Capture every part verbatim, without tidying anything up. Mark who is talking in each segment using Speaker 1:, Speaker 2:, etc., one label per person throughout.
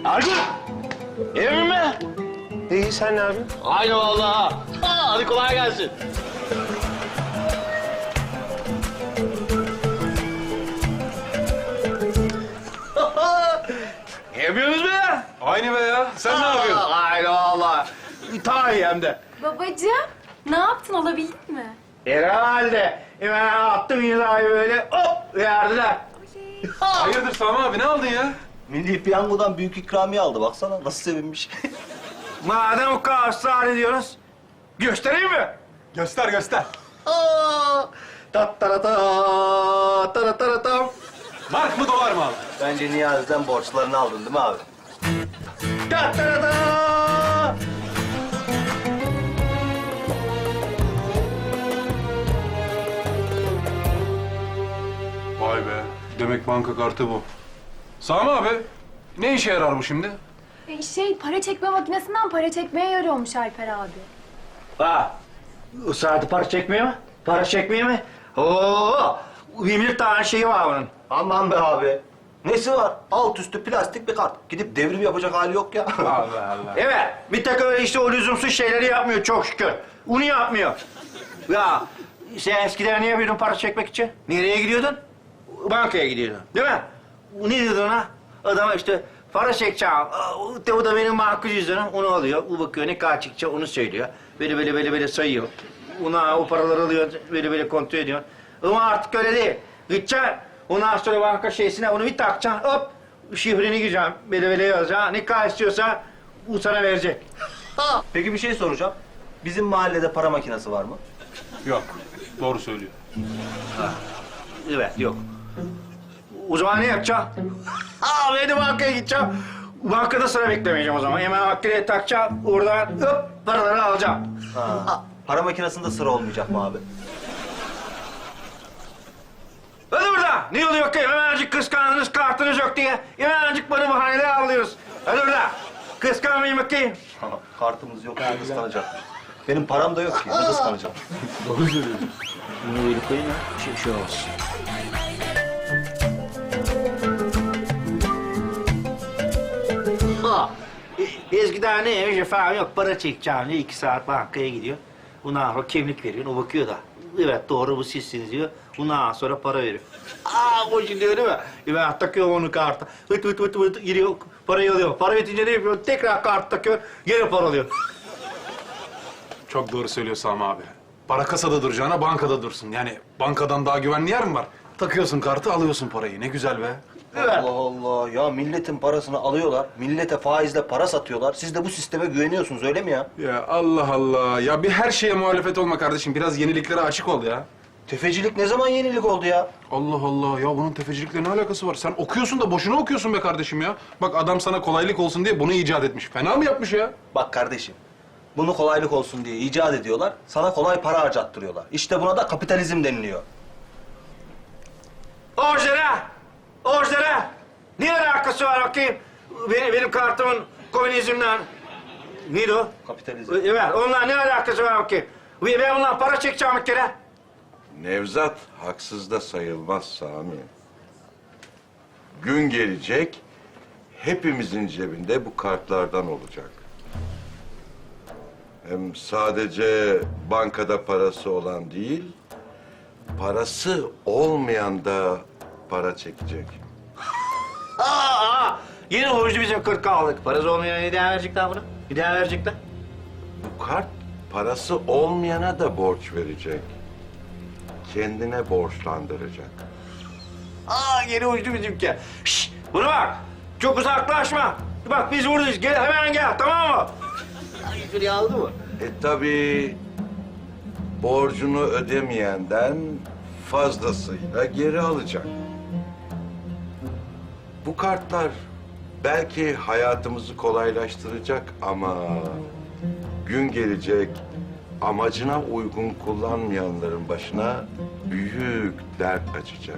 Speaker 1: Ergun! Emin mi?
Speaker 2: İyi, sen ne yapıyorsun?
Speaker 1: Aynı vallahi. Ha, hadi kolay gelsin. Ne yapıyorsunuz be?
Speaker 2: Aynı be ya. Sen ne yapıyorsun?
Speaker 1: Aynı vallahi. Ta iyi hem de.
Speaker 3: Babacığım, ne yaptın? Olabildin mi?
Speaker 1: Herhalde. Hemen attım imzayı böyle hop verdiler.
Speaker 2: Hayırdır Sami abi, ne aldın ya?
Speaker 4: Milli Piyango'dan büyük ikramiye aldı. Baksana nasıl sevinmiş.
Speaker 1: Madem o kadar ısrar ediyoruz, göstereyim mi?
Speaker 2: Göster göster.
Speaker 1: Aa, tattarata, tarataratam.
Speaker 2: Mark mı dolar mı abi?
Speaker 4: Bence Niyazi'den borçlarını aldın değil mi abi?
Speaker 1: Tattarata.
Speaker 2: Vay be. Demek banka kartı bu. Sami abi, ne işe yarar bu şimdi?
Speaker 3: E, şey, para çekme makinesinden para çekmeye yarıyormuş Alper abi.
Speaker 1: Ha, ısrarlı para çekmiyor mu? Para çekmiyor mu? Oo, bin bir tane şeyi var bunun.
Speaker 4: Aman be abi. Nesi var? Alt üstü plastik bir kart. Gidip devrim yapacak hali yok ya.
Speaker 2: Allah Allah.
Speaker 1: Evet, bir tek öyle işte o lüzumsuz şeyleri yapmıyor çok şükür. Onu yapmıyor. Ya, sen eskiden niye yapıyordun para çekmek için? Nereye gidiyordun? Bankaya gidiyordun, değil mi? Ne diyordun ona? Adama işte para çekeceğim. Aa, o da benim makul cüzdanım. Onu alıyor. O bakıyor ne kadar çıkacak onu söylüyor. Böyle böyle böyle böyle sayıyor. Ona o paraları alıyor. Böyle böyle kontrol ediyor. Ama artık öyle değil. Gideceksin. Ondan sonra banka şeysine onu bir takacaksın. Hop şifreni gireceksin. Böyle böyle yazacaksın. Ne kadar istiyorsa bu sana verecek.
Speaker 4: Peki bir şey soracağım. Bizim mahallede para makinesi var mı?
Speaker 2: Yok, doğru söylüyor.
Speaker 1: Evet yok. O zaman ne yapacaksın? Ha ben de bankaya gideceğim. Bankada sıra beklemeyeceğim o zaman. Hemen makineye takacağım. Oradan hop paraları alacağım.
Speaker 4: Ha. Para makinesinde sıra olmayacak mı abi?
Speaker 1: Hadi burada. Ne oluyor bakayım? Hemencik kıskandınız, kartınız yok diye. Hemencik bana bahaneler alıyoruz. Hadi burada. Kıskanmayın bakayım.
Speaker 4: Kartımız yok diye kıskanacakmış. Benim param da yok ki. Ne kıskanacağım?
Speaker 1: Doğru söylüyorsun. Bunu böyle koyayım ya. Şey, şey olsun. Ha. e, Eskiden neymiş efendim yok para çekeceğim diye iki saat bankaya gidiyor. Bundan sonra kimlik veriyor, o bakıyor da. Evet doğru bu sizsiniz diyor. Bundan sonra para veriyor. Aa o şimdi değil mi? E, ben takıyorum onu karta. Hıt hıt hıt hıt giriyor, parayı alıyor. Para bitince ne yapıyor? Tekrar kart takıyor, gene para alıyor.
Speaker 2: Çok doğru söylüyor Sami abi. Para kasada duracağına bankada dursun. Yani bankadan daha güvenli yer mi var? Takıyorsun kartı, alıyorsun parayı. Ne güzel be.
Speaker 1: Evet.
Speaker 4: Allah Allah. Ya milletin parasını alıyorlar. Millete faizle para satıyorlar. Siz de bu sisteme güveniyorsunuz öyle mi ya?
Speaker 2: Ya Allah Allah. Ya bir her şeye muhalefet olma kardeşim. Biraz yeniliklere açık ol ya.
Speaker 4: Tefecilik ne zaman yenilik oldu ya?
Speaker 2: Allah Allah. Ya bunun tefecilikle ne alakası var? Sen okuyorsun da boşuna okuyorsun be kardeşim ya. Bak adam sana kolaylık olsun diye bunu icat etmiş. Fena mı yapmış ya?
Speaker 4: Bak kardeşim. Bunu kolaylık olsun diye icat ediyorlar. Sana kolay para harcattırıyorlar. İşte buna da kapitalizm deniliyor.
Speaker 1: Orijinal! Orijinal! Ne alakası var bakayım? Benim, benim kartımın komünizmden... Neydi o?
Speaker 4: Kapitalizm.
Speaker 1: Evet, onunla ne alakası var bakayım? Ben ondan para çekeceğim bir kere.
Speaker 5: Nevzat haksız da sayılmaz Sami. Gün gelecek, hepimizin cebinde bu kartlardan olacak. Hem sadece bankada parası olan değil, parası olmayan da para çekecek.
Speaker 1: Aa, aa, yine borcu bizim kırk aldık. Parası olmayan ne daha verecekler bunu? Bir daha verecekler.
Speaker 5: Bu kart parası olmayana da borç verecek. Kendine borçlandıracak.
Speaker 1: Aa, yine uçtu bizimki. Şşş, buna bak. Çok uzaklaşma. Bak biz buradayız. Gel, hemen gel, tamam mı? Ay, şuraya aldı mı?
Speaker 5: E tabii borcunu ödemeyenden fazlasıyla geri alacak. Bu kartlar belki hayatımızı kolaylaştıracak ama gün gelecek amacına uygun kullanmayanların başına büyük dert açacak.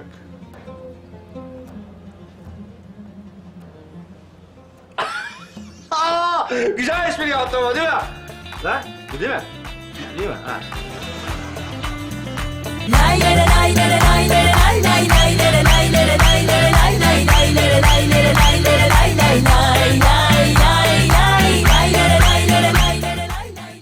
Speaker 1: Aa, güzel espri yaptın ama değil mi? Lan, bu değil mi? Değil mi? Ha.
Speaker 6: Lay lay lay lay lay lay lay lay